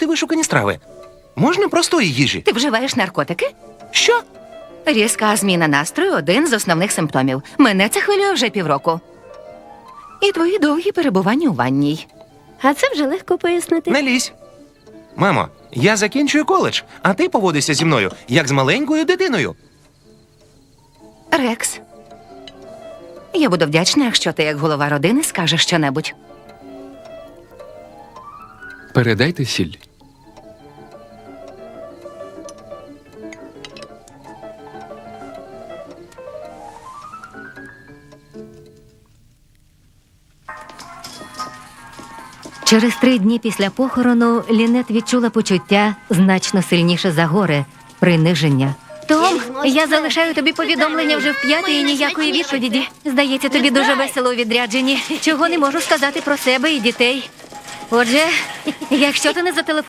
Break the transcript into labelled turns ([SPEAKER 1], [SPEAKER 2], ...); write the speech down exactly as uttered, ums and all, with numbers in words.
[SPEAKER 1] вишукані страви. Можна простої їжі.
[SPEAKER 2] Ти вживаєш наркотики?
[SPEAKER 1] Що?
[SPEAKER 2] Різка зміна настрою – один з основних симптомів. Мене це хвилює вже півроку. І твої довгі перебування у ванній.
[SPEAKER 3] А це вже легко пояснити.
[SPEAKER 1] Не лізь. Мамо, я закінчую коледж, а ти поводишся зі мною, як з маленькою дитиною.
[SPEAKER 2] Рекс, я буду вдячна, якщо ти, як голова родини, скажеш щонебудь.
[SPEAKER 4] Передайте сіль.
[SPEAKER 3] Через три дні після похорону Лінет відчула почуття значно сильніше за горе – приниження. Том, я залишаю тобі повідомлення вже в п'яте і ніякої відповіді. Здається, тобі дуже весело у відрядженні. Чого не можу сказати про себе і дітей. Отже, якщо ти не зателефонуєш,